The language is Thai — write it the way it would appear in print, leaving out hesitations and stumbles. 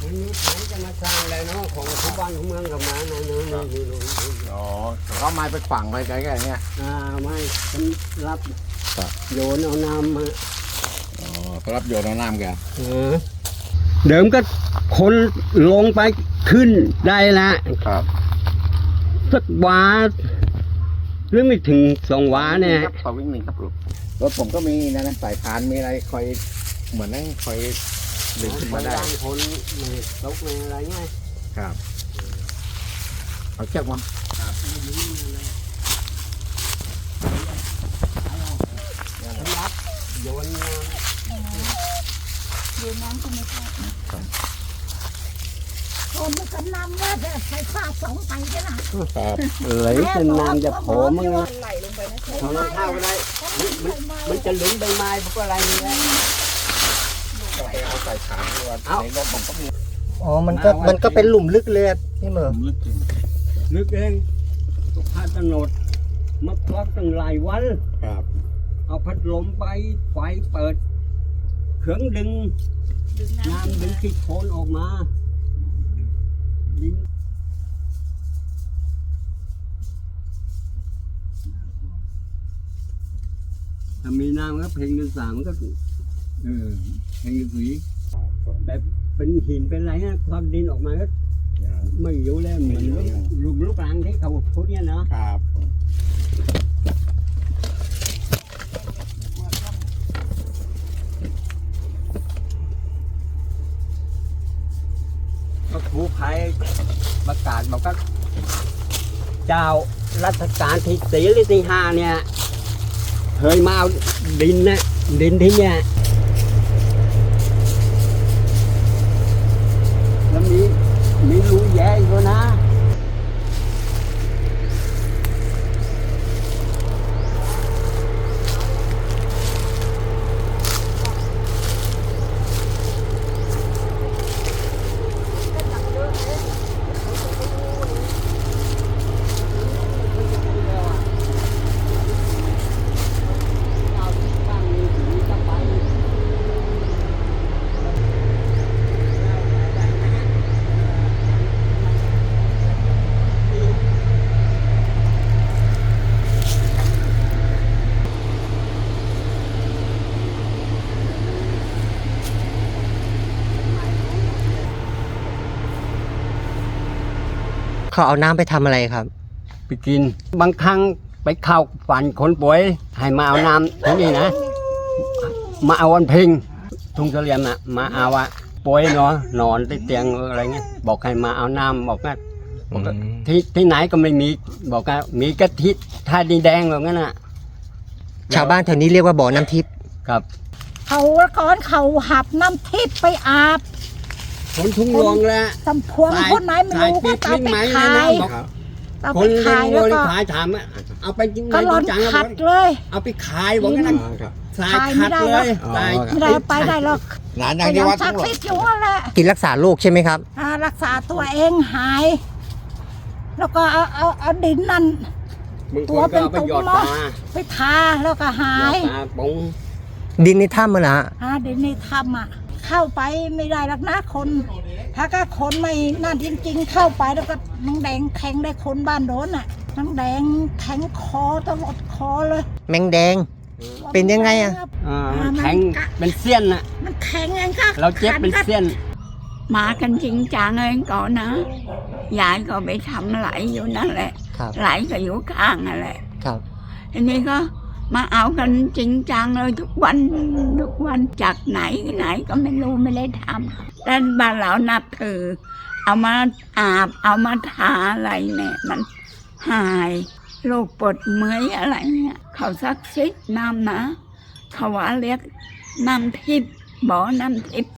นี่ไหนจะมาสร้างแล้วเนาะของทุกบ้านของเมืองกับมาเนาะนี่อ๋อเขาไม้ไปฝังไว้ไกลๆเงี้ยไม่ฉันรับโยนเอาน้ำมาอ๋อเขารับโยนเอาน้ำแกเดิมก็คนลงไปขึ้นได้ละครับสักวาหรือไม่ถึง2 วาเนี่ยขอวิ่งหนึ่งครับลูกรถผมก็มีนะสายพานมีอะไรคอยเหมือนนั่งคอยดึงขึ้นมาได้คนไม่ตกไม่อะไรเงี้ยครับเอาเชือกมารับโยนน้ำก็ไม่พอคนมันก็นำว่าจะใช้ผ้าสองไปใช่ไหมครับไหลจนน้ำจะโผล่มั้งนะทำข้าวก็ได้มันจะหลุมใบไม้พวกอะไรนี่แหละเอาใส่ถามด้วยในรถผมก็มีอ๋อมันก็เป็นหลุมลึกเลยนี่เหมือนลึกเองทุกท่านกำหนดมาควักตั้งหลายวันครับเอาพัดลมไปไฟเปิดเครื่องดึงน้ำดึงขี้โคลนออกมาดินถ้ามีน้ำก็เพลงเดือน3ก็เพลงเดือน4แบบเป็นหินเป็นอะไรนะความดินออกมาก็ไม่อยู่แล้วเหมือนลูกหลังที่เขาพูดเนี่ยเนาะครับก็ครูภัยประกาศบอกว่าเจ้ารัชกาลที่4หรือที่5เนี่ยเคยมาเอาดินที่เนี่ยแล้วมีรูแย่อยู่นะเขาเอาน้ำไปทำอะไรครับไปกินบางครั้งไปเข้าฝันคนป่วยให้มาเอาน้ำที่นี่นะมาเอาวันเพ็งทุ่งเสลี่ยมน่ะมาเอาว่าป่วยเนาะนอนที่เตียงอะไรเงี้ยบอกให้มาเอาน้ำบอกว่าที่ไหนก็ไม่มีบอกว่ามีกะทิท่าดินแดงแบบนั้นน่ะชาวบ้านแถวนี้เรียกว่าบ่อน้ำทิพย์ครับเขาก้อนเขาหับน้ำทิพย์ไปอาบคนทุ่งรวงแล้วตำพวงคนไหนไม่รู้ก็ตามไปขายคนขายแล้วก็ขายถามเอาไปกินก็ร้อนขัดเลยเอาไปขายบอกงั้นขายไม่ได้เลยไม่ได้ไปได้หรอกหลานอย่างที่วัดทั้งหมดกินรักษาโรคใช่ไหมครับรักษาตัวเองหายแล้วก็เอาดินนั่นตัวเป็นตุ่มไปทาแล้วก็หายดินในถ้ำมันนะดินในถ้ำเข้าไปไม่ได้หรอกนะคนถ้าก็คนไม่นั่นจริงๆเข้าไปแล้วก็น้องแดงแทงได้คนบ้านโดนน้องแดงแทงคอตลอดคอเลยแมงแดงเป็นยังไงแทงเป็นเสี้ยนมันแข็งเองค่ะเราเจ็บเป็นเสี้ยนมากันจริงจังเองก่อนนะยายก็ไปทำไหลอยู่นั่นแหละไหลก็อยู่ข้างนั่นแหละทีนี้ก็มาเอากันจริงจังเลยทุกวันจากไหนก็ไม่รู้ไม่ได้ทำแต่บ้านเรานับถือเอามาอาบเอามาทาอะไรเนี่ยมันหายโรคปวดเมื่อยอะไรเนี่ยเขาซักซิดน้ำนะเขาว่าเรียกน้ำทิพย์บ่อน้ำทิพย์